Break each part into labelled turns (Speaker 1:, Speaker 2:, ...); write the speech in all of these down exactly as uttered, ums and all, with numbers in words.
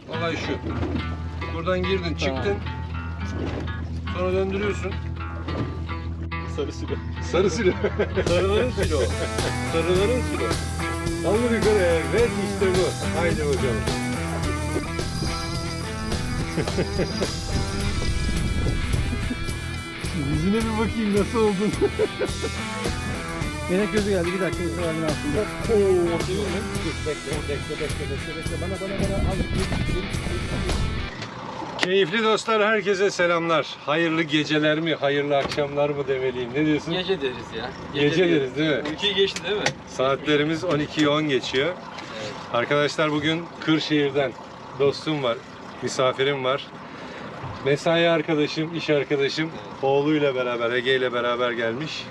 Speaker 1: olay şu. Buradan girdin, çıktın. Sonra döndürüyorsun.
Speaker 2: Sarı silo.
Speaker 1: Sarı silo. Sarıların silo. Sarıların silo. Kaldır yukarı. Evet, işte bu. Haydi bakalım. Yüzüne bir bakayım nasıl oldun.
Speaker 3: Melek gözü geldi. Bir dakika Mustafa abinin altında.
Speaker 1: Oo,
Speaker 3: Dur bekle bekle bekle bekle bekle. Bana bana bana al.
Speaker 1: Keyifli dostlar, herkese selamlar. Hayırlı geceler mi, hayırlı akşamlar mı demeliyim? Ne diyorsun?
Speaker 2: Gece deriz ya.
Speaker 1: Gece deriz değil mi?
Speaker 2: Ülkeyi geçti değil mi?
Speaker 1: Saatlerimiz on ikiyi on geçiyor.
Speaker 2: Evet.
Speaker 1: Arkadaşlar bugün Kırşehir'den dostum var, misafirim var. Mesai arkadaşım, iş arkadaşım,
Speaker 2: Evet.
Speaker 1: oğluyla beraber, Ege ile beraber gelmiş.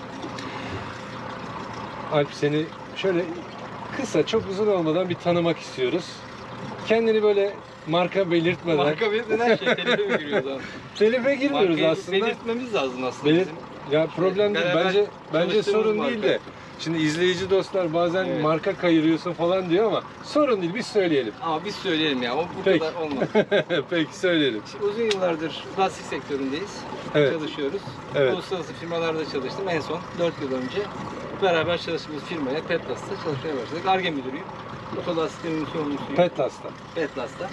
Speaker 1: Alp, seni şöyle kısa, çok uzun olmadan bir tanımak istiyoruz. Kendini böyle marka belirtmeden...
Speaker 2: Marka belirtmeden şey, telife mi giriyoruz abi?
Speaker 1: Telife girmiyoruz
Speaker 2: Markayı
Speaker 1: aslında.
Speaker 2: belirtmemiz lazım aslında
Speaker 1: Belir-
Speaker 2: bizim.
Speaker 1: Ya problem değil.
Speaker 2: Beraber
Speaker 1: Bence bence
Speaker 2: çalıştığımız
Speaker 1: sorun
Speaker 2: marka.
Speaker 1: değil de. Şimdi izleyici dostlar bazen
Speaker 2: Evet.
Speaker 1: marka kayırıyorsun falan diyor ama sorun değil, biz söyleyelim.
Speaker 2: Ama biz söyleyelim ya, o bu
Speaker 1: Peki.
Speaker 2: kadar olmaz.
Speaker 1: Peki söyleyelim.
Speaker 2: Şimdi uzun yıllardır lastik sektöründeyiz.
Speaker 1: Evet.
Speaker 2: Çalışıyoruz.
Speaker 1: Evet.
Speaker 2: Uluslararası firmalarda çalıştım. En son dört yıl önce beraber çalıştığımız firmaya Petlas'ta çalışmaya başladık. Ar-Ge müdürüyüm. Otolastiklerin sorumlusuyum.
Speaker 1: Petlas'ta.
Speaker 2: Petlas'ta.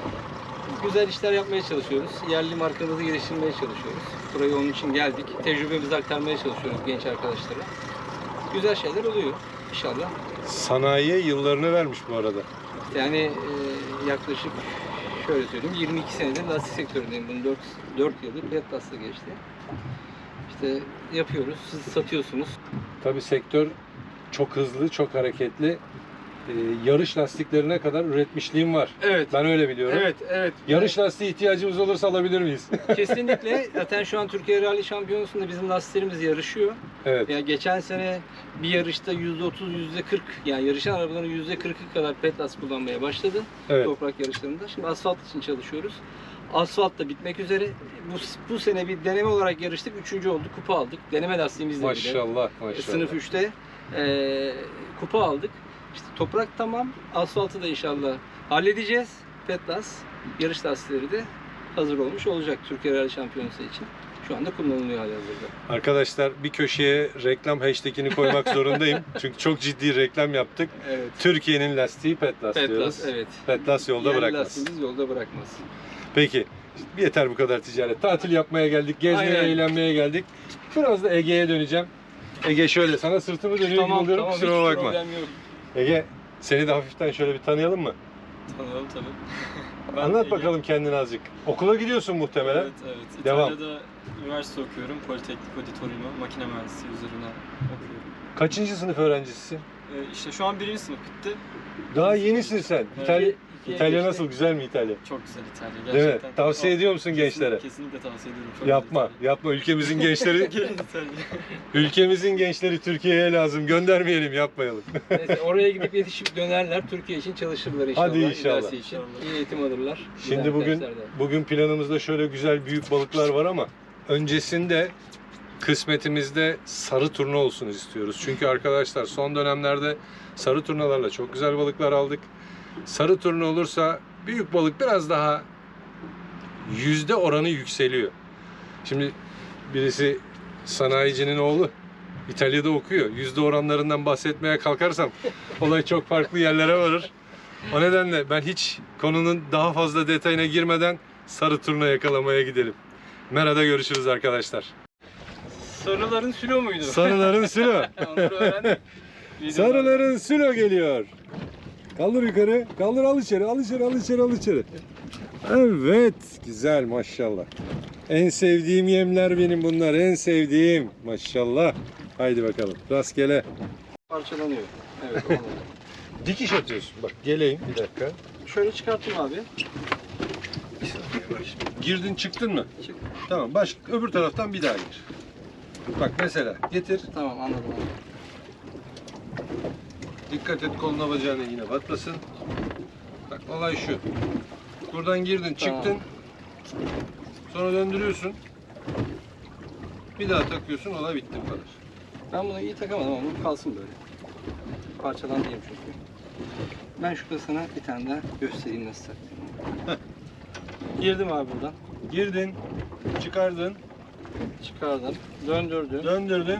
Speaker 2: Güzel işler yapmaya çalışıyoruz. Yerli markamızı geliştirmeye çalışıyoruz. Buraya onun için geldik. Tecrübemizi aktarmaya çalışıyoruz genç arkadaşlara. Güzel şeyler oluyor inşallah.
Speaker 1: Sanayiye yıllarını vermiş bu arada.
Speaker 2: Yani e, yaklaşık şöyle söyleyeyim yirmi iki senedir lastik sektöründeyim. Bunun dört, dört yılı Petlas'ta geçti. İşte yapıyoruz. Siz satıyorsunuz.
Speaker 1: Tabii sektör çok hızlı, çok hareketli. Ee, yarış lastiklerine kadar üretmişliğim var.
Speaker 2: Evet.
Speaker 1: Ben öyle biliyorum.
Speaker 2: Evet, evet.
Speaker 1: Yarış lastiği ihtiyacımız olursa alabilir miyiz?
Speaker 2: Kesinlikle. Zaten şu an Türkiye Rally Şampiyonası'nda bizim lastiklerimiz yarışıyor.
Speaker 1: Evet.
Speaker 2: Ya geçen sene bir yarışta yüzde otuz, yüzde kırk yani yarışan arabaların yüzde kırkı kadar Petlas kullanmaya başladı.
Speaker 1: Evet.
Speaker 2: Toprak yarışlarında. Şimdi asfalt için çalışıyoruz. Asfalt da bitmek üzere. Bu, bu sene bir deneme olarak yarıştık. Üçüncü olduk. Kupa aldık. Deneme lastiğimizle bile.
Speaker 1: Maşallah, maşallah.
Speaker 2: Sınıf üçte e, kupa aldık. İşte toprak tamam. Asfaltı da inşallah halledeceğiz. Petlas yarış lastikleri de hazır olmuş olacak Türkiye Rally Şampiyonası için. Şu anda kullanılıyor halihazırda.
Speaker 1: Arkadaşlar bir köşeye reklam hashtagini koymak zorundayım. Çünkü çok ciddi reklam yaptık.
Speaker 2: Evet.
Speaker 1: Türkiye'nin lastiği Petlas, diyoruz.
Speaker 2: Petlas, evet.
Speaker 1: Petlas yolda
Speaker 2: Yerli
Speaker 1: bırakmaz.
Speaker 2: lastiğimiz yolda bırakmaz.
Speaker 1: Peki, yeter bu kadar ticaret. Tatil yapmaya geldik, gezmeye,
Speaker 2: Aynen.
Speaker 1: eğlenmeye geldik. Biraz da Ege'ye döneceğim. Ege şöyle, sana sırtımı dönüyor gibi oluyorum,
Speaker 2: hiç
Speaker 1: kusuruma bakma.
Speaker 2: problem yok.
Speaker 1: Ege, seni de hafiften şöyle bir tanıyalım mı?
Speaker 4: Tanıyorum tabii. Ben
Speaker 1: Anlat
Speaker 4: Ege.
Speaker 1: bakalım kendini azıcık. Okula gidiyorsun muhtemelen.
Speaker 4: Evet, evet.
Speaker 1: Devam.
Speaker 4: İtalya'da üniversite okuyorum. Politeknik Auditorium'u, makine mühendisliği üzerine okuyorum.
Speaker 1: Kaçıncı sınıf öğrencisisin?
Speaker 4: Ee, işte şu an birinci sınıf bitti.
Speaker 1: Daha yenisin sen.
Speaker 4: Evet.
Speaker 1: İtalya,
Speaker 2: İkiye
Speaker 1: İtalya
Speaker 2: geçti.
Speaker 1: nasıl? Güzel mi İtalya?
Speaker 4: Çok güzel İtalya
Speaker 1: Değil mi?
Speaker 4: gerçekten.
Speaker 1: Tavsiye
Speaker 4: Çok-
Speaker 1: ediyor musun
Speaker 4: kesin-
Speaker 1: gençlere?
Speaker 4: Kesinlikle tavsiye ediyorum. Çok
Speaker 1: Yapma,
Speaker 4: güzel İtalya.
Speaker 1: yapma. Ülkemizin gençleri,
Speaker 4: Gelin İtalya.
Speaker 1: ülkemizin gençleri Türkiye'ye lazım. Göndermeyelim, yapmayalım.
Speaker 2: Neyse, oraya gidip yetişip dönerler. Türkiye için çalışırlar inşallah.
Speaker 1: Hadi inşallah.
Speaker 2: ilerisi için. İyi eğitim alırlar.
Speaker 1: Şimdi
Speaker 2: Güzel
Speaker 1: bugün
Speaker 2: derslerde.
Speaker 1: bugün planımızda şöyle güzel büyük balıklar var ama öncesinde kısmetimizde sarı turna olsun istiyoruz. Çünkü arkadaşlar son dönemlerde sarı turnalarla çok güzel balıklar aldık. Sarı turna olursa büyük balık biraz daha yüzde oranı yükseliyor. Şimdi birisi sanayicinin oğlu İtalya'da okuyor. Yüzde oranlarından bahsetmeye kalkarsam olay çok farklı yerlere varır. O nedenle ben hiç konunun daha fazla detayına girmeden sarı turna yakalamaya gidelim. Mera'da görüşürüz arkadaşlar.
Speaker 2: Sarıların silo muydu?
Speaker 1: Sarıların silo.
Speaker 2: Onları öğrendik.
Speaker 1: Sarıların silo geliyor. Kaldır yukarı. Kaldır, al içeri. Al içeri, al içeri, al içeri. Evet. Güzel maşallah. En sevdiğim yemler benim bunlar. En sevdiğim. Maşallah. Haydi bakalım. Rastgele.
Speaker 2: Parçalanıyor. Evet. olmadı.
Speaker 1: Dikiş atıyorsun. Bak geleyim bir dakika.
Speaker 2: Şöyle çıkarttım abi.
Speaker 1: Girdin çıktın mı?
Speaker 2: Çık.
Speaker 1: Tamam. Baş, öbür taraftan bir daha gir. Bak mesela getir.
Speaker 2: Tamam anladım abi.
Speaker 1: Dikkat et koluna bacağına yine batmasın. Bak olay şu. Buradan girdin
Speaker 2: Tamam.
Speaker 1: çıktın. Sonra döndürüyorsun. Bir daha takıyorsun, olay bitti bu kadar.
Speaker 2: Ben bunu iyi takamadım ama bu kalsın böyle. Parçalan diyeyim çünkü. Ben şurada sana bir tane daha göstereyim nasıl taktığımı. Girdim abi buradan.
Speaker 1: Girdin, çıkardın,
Speaker 2: Çıkardım. Döndürdüm.
Speaker 1: döndürdün.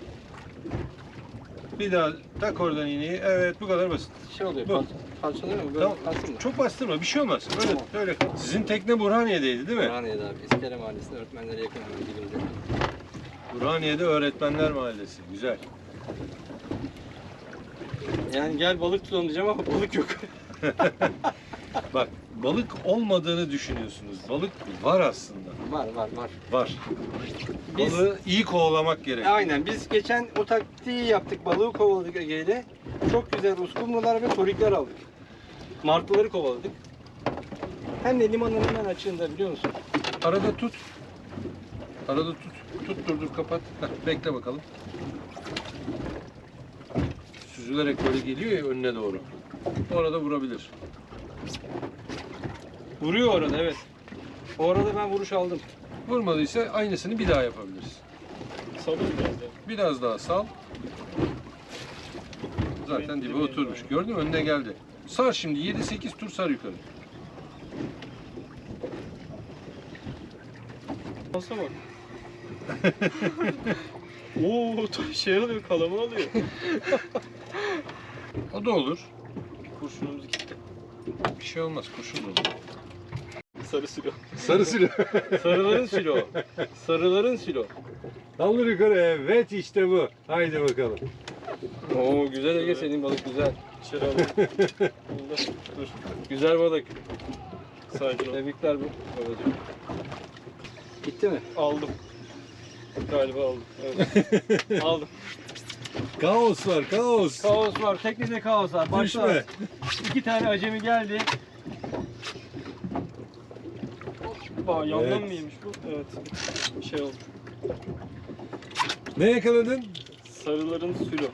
Speaker 1: Bir daha tak oradan iğneyi. Evet, bu kadar basit.
Speaker 2: Şey oluyor.
Speaker 1: Bu.
Speaker 2: Par parçalıyor mu? Böyle
Speaker 1: Tamam.
Speaker 2: kalsın mı?
Speaker 1: Çok bastırma, bir şey olmaz. Öyle,
Speaker 2: Tamam.
Speaker 1: öyle kal. Sizin tekne Burhaniye'deydi değil mi?
Speaker 2: Burhaniye'de abi. İskele Mahallesi'nde öğretmenlere yakın hemen dibinde.
Speaker 1: Burhaniye'de Öğretmenler Mahallesi. Güzel.
Speaker 2: Yani gel balık tutalım diyeceğim ama balık yok.
Speaker 1: Bak, balık olmadığını düşünüyorsunuz. Balık var aslında.
Speaker 2: Var var var.
Speaker 1: Var.
Speaker 2: Biz-
Speaker 1: Balığı iyi kovalamak gerek.
Speaker 2: Aynen. Biz geçen o taktiği yaptık. Balığı kovaladık Ege'yle. Çok güzel uskumrular ve torikler aldık. Martıları kovaladık. Hem de limanın hemen açığında biliyor musun?
Speaker 1: Arada tut. Arada tut. Tut dur dur kapat. Heh, bekle bakalım. Süzülerek böyle geliyor ya önüne doğru. Orada vurabilir.
Speaker 2: Vuruyor orada evet. O arada ben vuruş aldım.
Speaker 1: Vurmadıysa aynısını bir daha yapabiliriz.
Speaker 4: Sabır biraz da.
Speaker 1: Biraz daha sal. Zaten dibe oturmuş. Gördün mü? Önüne geldi. Sar şimdi. yedi sekiz tur sar yukarı.
Speaker 4: Olsa bak. Oo, şey alıyor, kalaman alıyor.
Speaker 1: O da olur.
Speaker 4: Kurşunumuz gitti.
Speaker 1: Bir şey olmaz. Kurşun da olur.
Speaker 4: Sarı silo.
Speaker 1: Sarı silo.
Speaker 2: Sarıların silo. Sarıların silo.
Speaker 1: Daldır yukarı. Evet işte bu. Haydi bakalım.
Speaker 2: Oo güzel Ege senin balık güzel.
Speaker 4: İçeri alalım. Bunda. Dur.
Speaker 2: Güzel balık.
Speaker 4: Sakin ol.
Speaker 2: Tebrikler bu babacığım. Gitti mi?
Speaker 4: Aldım. Galiba aldım. Evet. Aldım.
Speaker 1: Kaos var. Kaos.
Speaker 2: Kaos var. Teknede kaos var. Başla.
Speaker 1: Düşme.
Speaker 2: İki tane acemi geldi.
Speaker 4: Aa, yandan
Speaker 1: Evet.
Speaker 4: mı yemiş bu? Evet. Şey oldu.
Speaker 1: Ne yakaladın?
Speaker 4: Sarıların silo.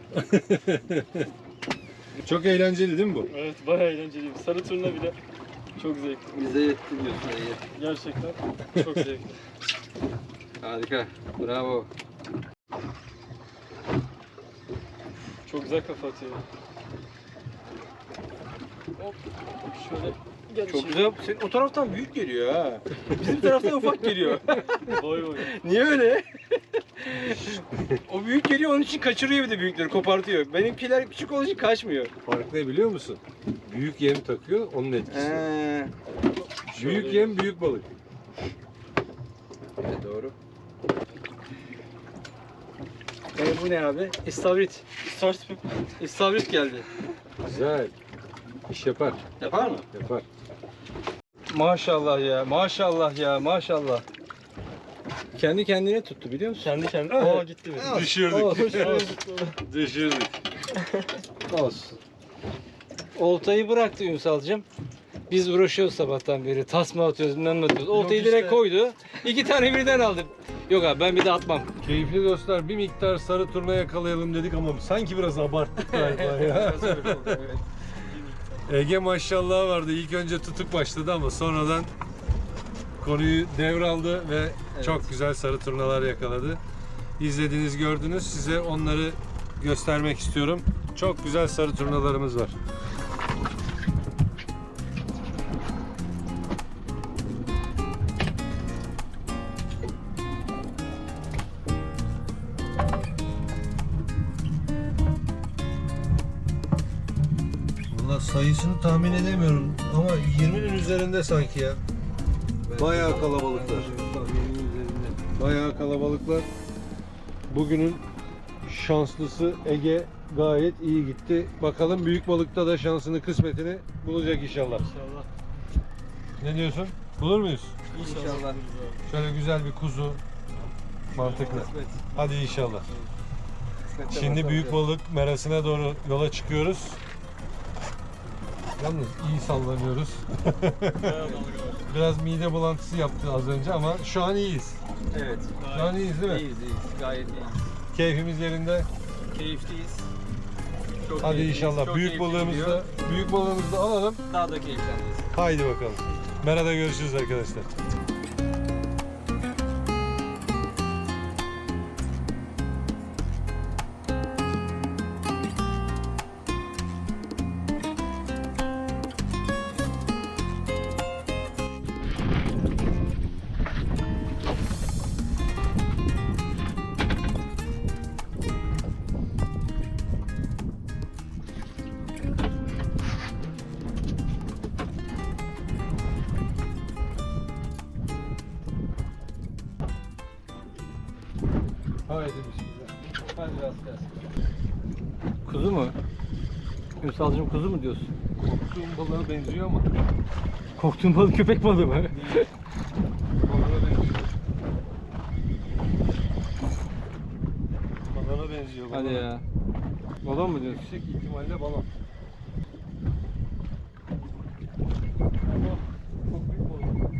Speaker 1: Çok eğlenceli değil mi bu?
Speaker 4: Evet, bayağı eğlenceliyim. Sarı turna bile çok zevkli.
Speaker 2: Bize yetti diyorsun Ege.
Speaker 4: Gerçekten çok zevkli.
Speaker 2: Harika. Bravo.
Speaker 4: Çok güzel kafa atıyor. Hop. Şöyle gel.
Speaker 2: Çok
Speaker 4: içeri.
Speaker 2: güzel. Senin o taraftan büyük geliyor ha. Bizim taraftan ufak geliyor.
Speaker 4: Boy boy.
Speaker 2: Niye öyle? O büyük geliyor onun için kaçırıyor bir de büyükleri kopartıyor. Benimkiler küçük olduğu için kaçmıyor.
Speaker 1: Fark ne biliyor musun? Büyük yem takıyor, onun etkisi.
Speaker 2: He.
Speaker 1: Büyük yem, büyük balık.
Speaker 2: Evet doğru. E bu ne abi? İstavrit.
Speaker 4: Start pip.
Speaker 2: İstavrit geldi.
Speaker 1: Güzel. İş yapar.
Speaker 2: Yapar mı?
Speaker 1: Yapar.
Speaker 2: Maşallah ya, maşallah ya, maşallah. Kendi kendine tuttu biliyor musun?
Speaker 4: Kendi kendine. Aa gitti benim.
Speaker 1: Düşürdük.
Speaker 2: Olsun.
Speaker 1: Düşürdük.
Speaker 2: Olsun. Oltayı bıraktı Ünsal'cığım. Biz uğraşıyoruz sabahtan beri. Tasma atıyoruz, bilmem ne atıyoruz. Oltayı
Speaker 1: Yok
Speaker 2: direkt
Speaker 1: işte.
Speaker 2: koydu. İki tane birden aldım. Yok abi ben bir de atmam.
Speaker 1: Keyifli dostlar, bir miktar sarı turna yakalayalım dedik ama sanki biraz abarttık galiba ya. Ege maşallah vardı. İlk önce tutuk başladı ama sonradan konuyu devraldı ve çok güzel sarı turnalar yakaladı. İzlediniz, gördünüz. Size onları göstermek istiyorum. Çok güzel sarı turnalarımız var. Valla sayısını tahmin edemiyorum ama yirminin üzerinde sanki ya. Bayağı kalabalıklar. Bayağı kalabalıklar. Bugünün şanslısı Ege gayet iyi gitti. Bakalım büyük balıkta da şansını, kısmetini bulacak inşallah.
Speaker 4: İnşallah.
Speaker 1: Ne diyorsun? Bulur muyuz?
Speaker 2: İnşallah.
Speaker 1: Şöyle güzel bir kuzu. Mantıklı. Hadi inşallah. Şimdi büyük balık merasına doğru yola çıkıyoruz. Yalnız iyi sallanıyoruz.
Speaker 4: Bayağı dalga var.
Speaker 1: Biraz mide bulantısı yaptı az önce ama şu an iyiyiz.
Speaker 2: Evet.
Speaker 1: Şu an iyiyiz değil mi?
Speaker 2: İyiyiz iyiyiz. Gayet iyiyiz.
Speaker 1: Keyfimiz yerinde.
Speaker 2: Keyifliyiz. Çok
Speaker 1: Hadi
Speaker 2: keyifliyiz,
Speaker 1: inşallah
Speaker 2: çok
Speaker 1: büyük
Speaker 2: keyifli
Speaker 1: balığımızı
Speaker 2: gidiyor.
Speaker 1: da büyük balığımızı da alalım.
Speaker 2: Daha da keyifleneceğiz.
Speaker 1: Haydi bakalım. Merada görüşürüz arkadaşlar. Haydi bismillah.
Speaker 2: Hadi rast gelsin. Kuzu mu? Ünsalcığım kuzu mu diyorsun?
Speaker 1: Korktuğum balığa benziyor ama.
Speaker 2: Korktuğun balık köpek balığı mı?
Speaker 1: Balığa benziyor. Balona benziyor.
Speaker 2: Hadi
Speaker 1: balona.
Speaker 2: ya. Balon mu diyorsun?
Speaker 1: Yüksek ihtimalle balon. Çok büyük balık.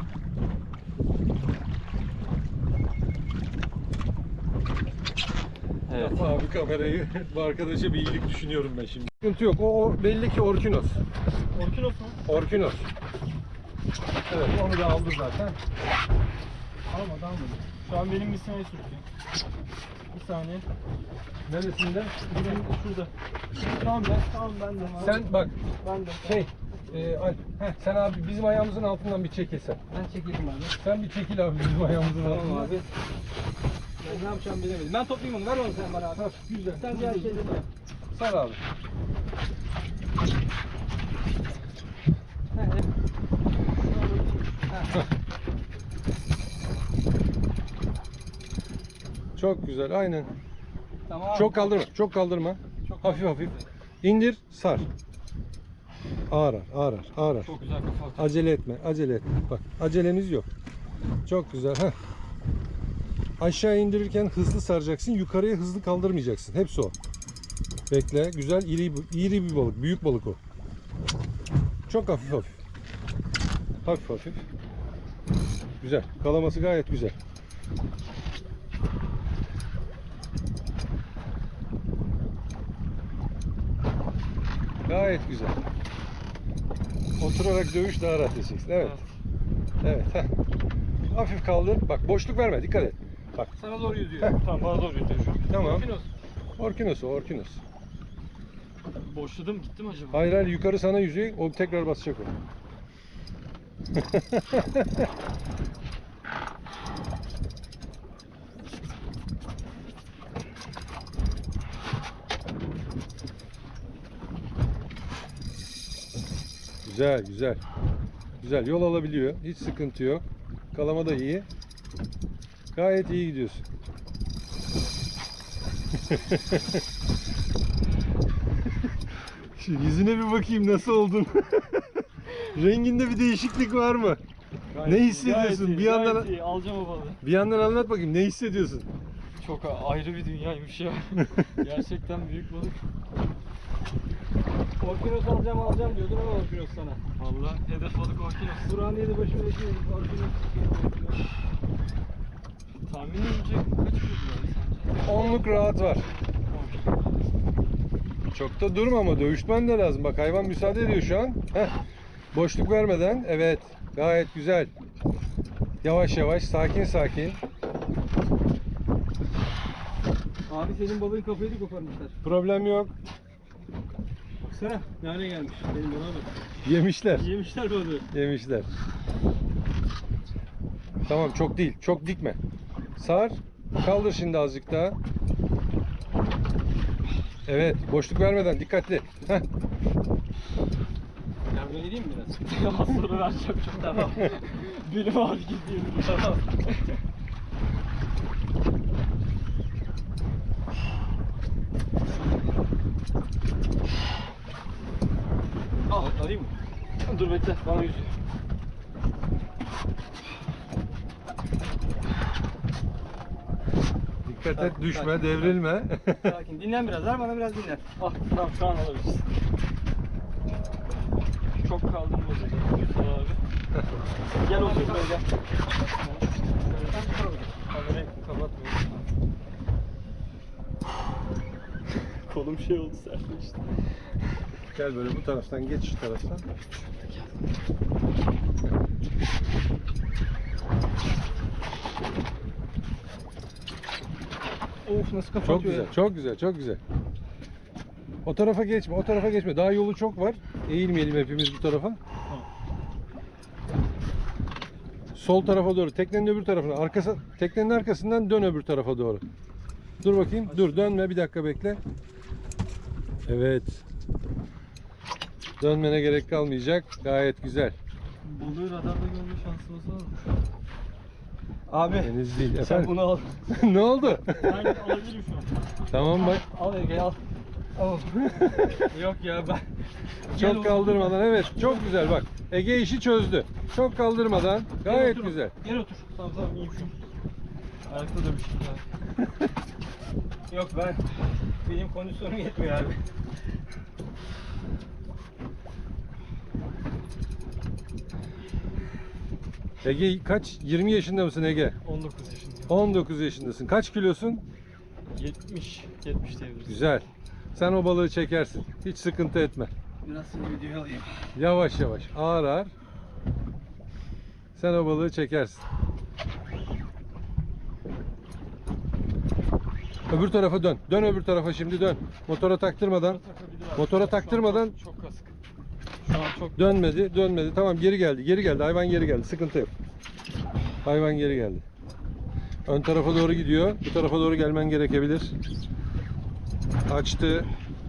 Speaker 2: Evet.
Speaker 1: Abi kamerayı bu arkadaşa bir iyilik düşünüyorum ben şimdi. Sıkıntı yok. O, o belli ki Orkinos.
Speaker 3: Orkinos mu?
Speaker 1: Orkinos. Evet, onu da aldı zaten.
Speaker 3: Almadı almadı. Şu an benim misinayı sürtüyor. Bir saniye.
Speaker 1: Neresinden?
Speaker 3: Benim şurada. Tamam ben, tamam ben de.
Speaker 1: Sen bak
Speaker 3: Ben de.
Speaker 1: şey, e, Alp, heh, sen abi bizim ayağımızın altından bir çekilsen.
Speaker 2: Ben çekeyim abi.
Speaker 1: Sen bir çekil abi bizim ayağımızın
Speaker 2: Tamam
Speaker 1: altından.
Speaker 2: abi. Ben ne yapacağım bilemedim. Ben toplayayım onu. Ver onu sen bana abi.
Speaker 1: Güzel.
Speaker 2: Sen diğer şeyleri yap.
Speaker 1: Sar abi.
Speaker 2: He, he. He.
Speaker 1: Çok güzel, aynen.
Speaker 2: Tamam.
Speaker 1: Çok kaldırma, çok kaldırma.
Speaker 2: Çok
Speaker 1: Hafif hafif. İndir, sar. Ağır ağır, ağır ağır, ağır ağır.
Speaker 2: Çok güzel kafa atıyor.
Speaker 1: Acele etme, acele etme. Bak, acelemiz yok. Çok güzel. Heh. Aşağı indirirken hızlı saracaksın, yukarıya hızlı kaldırmayacaksın. Hepsi o. Bekle, güzel, iri, iri bir balık, büyük balık o. Çok hafif hafif. Hafif hafif. Güzel, kalaması gayet güzel. Gayet güzel. Oturarak dövüş daha rahat edeceksin. Evet. Evet. Heh. Hafif kaldır. Bak boşluk verme. Dikkat et. Bak.
Speaker 2: Sana doğru yüzüyor.
Speaker 1: Heh.
Speaker 3: Tamam bana doğru yürüyor şu an.
Speaker 1: Tamam.
Speaker 2: Orkinos.
Speaker 1: Orkinos o. Orkinos.
Speaker 3: Boşladım gitti mi acaba?
Speaker 1: Hayır hayır yukarı sana yüzüyor. O tekrar basacak o. Güzel güzel. Güzel yol alabiliyor. Hiç sıkıntı yok. Kalama da iyi. Gayet iyi gidiyorsun. Şu yüzüne bir bakayım nasıl oldun. Renginde bir değişiklik var mı? Ne hissediyorsun?
Speaker 3: Gayet iyi,
Speaker 1: Bir yandan-
Speaker 3: gayet iyi. Alacağım o balığı.
Speaker 1: Bir yandan anlat bakayım ne hissediyorsun?
Speaker 3: Çok a- ayrı bir dünyaymış ya. Gerçekten büyük balık.
Speaker 2: Orkinos alacağım alacağım diyordun ama Orkinos sana.
Speaker 3: Vallahi hedef balık Orkinos.
Speaker 2: Burhaniye'de başımda şey Orkinos.
Speaker 3: Tahminimce kaç kilodur abi sence?
Speaker 1: Onluk rahat var. Çok da durma ama dövüşmen de lazım. Bak hayvan müsaade ediyor şu an. Heh. Boşluk vermeden. Evet. Gayet güzel. Yavaş yavaş, sakin sakin.
Speaker 2: Abi senin balığın kafayı da koparmışlar.
Speaker 1: Problem yok.
Speaker 2: Baksana ne hale gelmiş. Benim balığa bak.
Speaker 1: Yemişler.
Speaker 2: Yemişler balığı.
Speaker 1: Yemişler. Tamam çok değil. Çok dikme. Sar. Kaldır şimdi azıcık daha. Evet. Boşluk vermeden dikkatli. Heh.
Speaker 2: Yardım edeyim mi biraz?
Speaker 3: Az sonra vereceğim çok tamam. Benim ağrı gidiyor. Tamam.
Speaker 2: Al alayım mı?
Speaker 3: Dur bekle bana yüzüyor.
Speaker 1: Dikkat et, düşme, devrilme.
Speaker 2: Sakin. Dinlen biraz. Ver bana biraz dinlen.
Speaker 3: Ah tamam şu an alabiliriz. Çok kaldım burada. Güzel abi. Gel otur buraya gel. Kamerayı kapatmıyorum. Kolum şey oldu sertleşti.
Speaker 1: Gel böyle bu taraftan geç şu taraftan.
Speaker 2: Of nasıl kapatıyor
Speaker 1: Çok güzel, çok güzel, çok güzel. O tarafa geçme, o tarafa geçme. Daha yolu çok var. Eğilmeyelim hepimiz bu tarafa. Sol tarafa doğru, teknenin öbür tarafına. Arkası, teknenin arkasından dön öbür tarafa doğru. Dur bakayım, dur dönme, bir dakika bekle. Evet. Dönmene gerek kalmayacak. Gayet güzel.
Speaker 3: Balığı radarda görme şansımız var mı şu an?
Speaker 2: Abi
Speaker 1: Deniz değil
Speaker 2: sen
Speaker 1: efendim.
Speaker 2: bunu al.
Speaker 1: Ne oldu?
Speaker 3: Ben alabilirim şu an.
Speaker 1: Tamam bak.
Speaker 2: Al Ege al. Al. Yok ya ben. Gel
Speaker 1: Çok
Speaker 2: oğlum.
Speaker 1: kaldırmadan, evet, çok güzel bak. Ege işi çözdü. Çok kaldırmadan gayet
Speaker 3: otur.
Speaker 1: güzel.
Speaker 3: Gel otur. Tamam tamam iyiyim şu an. Ayakta da bir şey daha.
Speaker 2: Yok ben. Benim kondisyonum yetmiyor abi.
Speaker 1: Ege kaç? yirmi yaşında mısın Ege?
Speaker 3: on dokuz yaşındayım.
Speaker 1: on dokuz yaşındasın. Kaç kilosun?
Speaker 3: yetmiş. yetmiş diyebiliriz.
Speaker 1: Güzel. Sen o balığı çekersin. Hiç sıkıntı etme.
Speaker 2: Biraz seni videoya alayım.
Speaker 1: Yavaş yavaş, ağır ağır. Sen o balığı çekersin. Öbür tarafa dön. Dön öbür tarafa şimdi dön. Motora taktırmadan. Motora taktırmadan
Speaker 3: Çok kasık. Şu an çok
Speaker 1: dönmedi, dönmedi. Tamam, geri geldi. Geri geldi. Hayvan geri geldi. Sıkıntı yok. Hayvan geri geldi. Ön tarafa doğru gidiyor. Bu tarafa doğru gelmen gerekebilir. Açtı.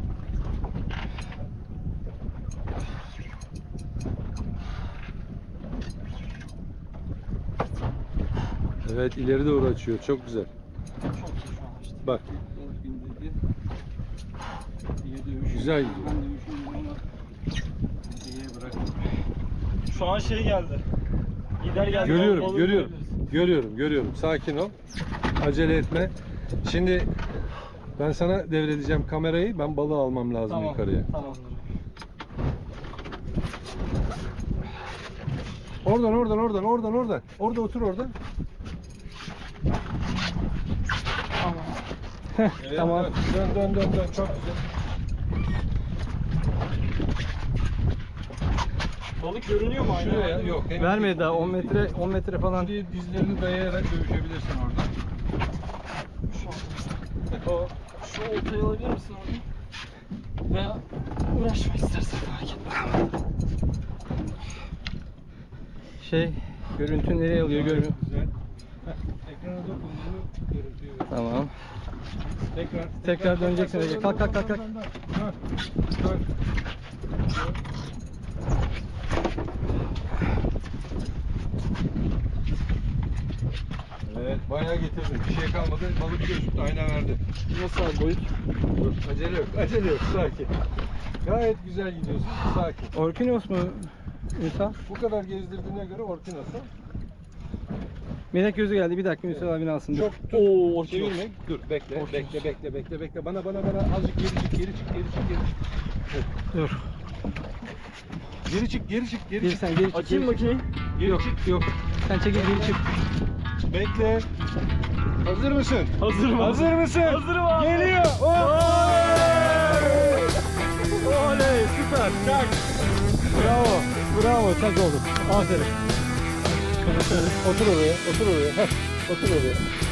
Speaker 1: Evet, ileri doğru açıyor. Çok güzel.
Speaker 3: çok iyi şu an işte.
Speaker 1: Bak,
Speaker 2: Balık bindirdi. Ege dövüş.
Speaker 1: güzel gidiyor.
Speaker 2: Ben dövüşüyorum ama Ege'ye bıraktım.
Speaker 3: Şu an şey geldi. Gider geldi.
Speaker 1: Görüyorum,
Speaker 3: balığı
Speaker 1: görüyorum.
Speaker 3: görebiliriz.
Speaker 1: Görüyorum, görüyorum. Sakin ol. Acele etme. Şimdi ben sana devredeceğim kamerayı. Ben balığı almam lazım
Speaker 3: Tamam.
Speaker 1: yukarıya.
Speaker 3: Tamamdır.
Speaker 1: Oradan, oradan, oradan, oradan, oradan. Orada otur orada.
Speaker 3: Tamam.
Speaker 1: Evet,
Speaker 2: Tamam.
Speaker 1: evet. Dön, dön, dön, dön. Çok güzel.
Speaker 3: Balık görünüyor mu aynı?
Speaker 1: Şuraya, yok. henüz
Speaker 2: Vermedi
Speaker 1: değil.
Speaker 2: daha on metre on metre falan.
Speaker 1: Şuraya dizlerini dayayarak dövüşebilirsin orada.
Speaker 3: Şu an. O, şu oltayı alabilir misin orada? Veya uğraşma istersen fark etmez.
Speaker 2: Şey görüntü nereye alıyor görmüyor.
Speaker 1: Güzel. Heh, ekrana dokunduğunu görüntüyü ver.
Speaker 2: Tamam.
Speaker 1: Tekrar,
Speaker 2: Tekrar döneceksin Ege. Kalk, kalk, kalk, kalk.
Speaker 1: Dön, dön, dön. Evet, bayağı getirdin. Bir şey kalmadı. Balık gözüktü, ayna verdi.
Speaker 3: Nasıl abi boyut?
Speaker 1: Dur, acele yok, acele yok. Sakin. Gayet güzel gidiyorsun. Sakin.
Speaker 2: Orkinos mu Ünsal?
Speaker 1: Bu kadar gezdirdiğine göre Orkinos'a.
Speaker 2: Melek gözü geldi. Bir dakika Ünsal abini alsın. Dur.
Speaker 1: Çok
Speaker 3: Oo,
Speaker 1: çevirme. Dur, bekle, bekle, bekle, bekle, bekle. Bana, bana, bana. Azıcık geri çık, geri çık, geri çık, geri çık.
Speaker 2: Dur.
Speaker 1: Geri çık, geri çık, geri
Speaker 2: Geri
Speaker 1: çık.
Speaker 2: sen geri çık.
Speaker 3: Açayım
Speaker 2: geri çık.
Speaker 3: makineyi.
Speaker 1: Geri
Speaker 2: Yok
Speaker 1: çık.
Speaker 2: yok. Sen çekil geri çık.
Speaker 1: Bekle. Hazır mısın?
Speaker 3: Hazırım.
Speaker 1: Hazır mısın?
Speaker 3: Hazırım abi.
Speaker 1: Geliyor.
Speaker 2: Oley süper. Çak. Bravo. Bravo çak oldu. Aferin.
Speaker 1: Otur oraya, otur oraya. Heh, otur oraya.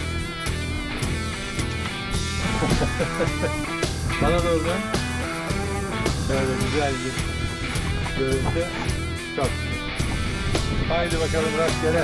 Speaker 1: Bana doğru dön. Böyle güzel bir görüntü. Çok. Haydi bakalım rastgele.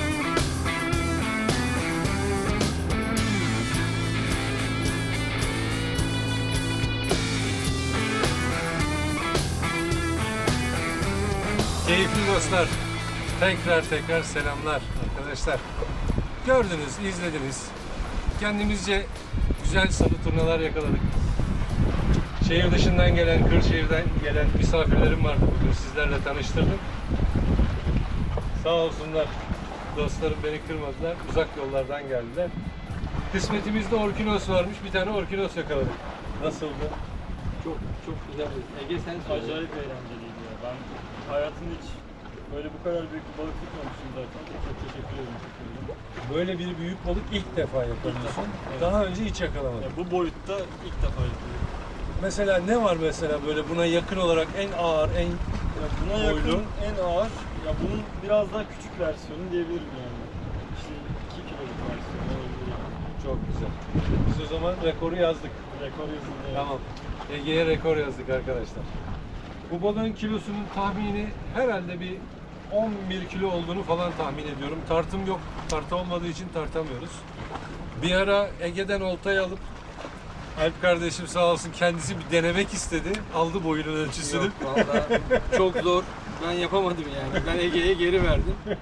Speaker 1: Keyifli dostlar. Tekrar tekrar selamlar arkadaşlar. Gördünüz, izlediniz. Kendimizce güzel sarı turnalar yakaladık. Şehir dışından gelen, Kırşehir'den gelen misafirlerim vardı bugün, sizlerle tanıştırdım. Sağ olsunlar, dostlarım beni kırmadılar, uzak yollardan geldiler. Kısmetimizde Orkinos varmış, bir tane Orkinos yakaladık. Nasıldı?
Speaker 2: Çok çok güzel. Ege sen söyle.
Speaker 3: Acayip eğlenceliydi ya. Ben hayatımda hiç böyle bu kadar büyük bir balık tutmamıştım zaten. Çok teşekkür ederim.
Speaker 1: Böyle bir büyük balık ilk defa yakalıyorsun.
Speaker 3: Evet.
Speaker 1: Daha önce hiç yakalamadım.
Speaker 3: Ya bu boyutta ilk defa yapıyorum.
Speaker 1: Mesela ne var mesela böyle buna yakın olarak en ağır, en
Speaker 3: Ya buna
Speaker 1: Boylu.
Speaker 3: yakın en ağır, ya bunun biraz daha küçük versiyonu diyebilirim yani. İşte iki kiloluk versiyonu olabilir.
Speaker 1: çok güzel. Biz o zaman rekoru yazdık.
Speaker 3: Rekor yazıldı.
Speaker 1: Tamam. Ege'ye rekor yazdık arkadaşlar. Bu balığın kilosunun tahmini herhalde bir on bir kilo olduğunu falan tahmin ediyorum. Tartım yok. Tartı olmadığı için tartamıyoruz. Bir ara Ege'den oltayı alıp Alp kardeşim sağ olsun kendisi bir denemek istedi. Aldı boyunun ölçüsünü.
Speaker 2: Yok vallahi çok zor. Ben yapamadım yani. Ben Ege'ye geri verdim.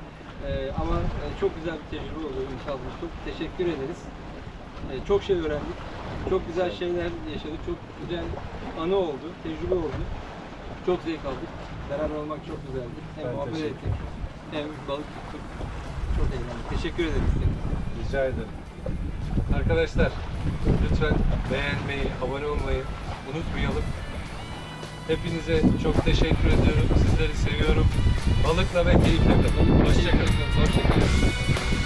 Speaker 2: Ee, ama e, çok güzel bir tecrübe oldu inşallah. Çok teşekkür ederiz. Ee, çok şey öğrendik. Çok güzel şeyler yaşadık. Çok güzel anı oldu, tecrübe oldu. Çok zevk aldık. Beraber olmak çok güzeldi. Hem
Speaker 1: Ben
Speaker 2: muhabbet
Speaker 1: teşekkür
Speaker 2: ettik, hem balık tuttuk. Çok eğlendik. Teşekkür ederiz.
Speaker 1: Rica ederim. Arkadaşlar lütfen beğenmeyi, abone olmayı unutmayalım. Hepinize çok teşekkür ediyorum. Sizleri seviyorum. Balıkla ve keyifle kalın. Hoşçakalın.
Speaker 2: Hoşçakalın.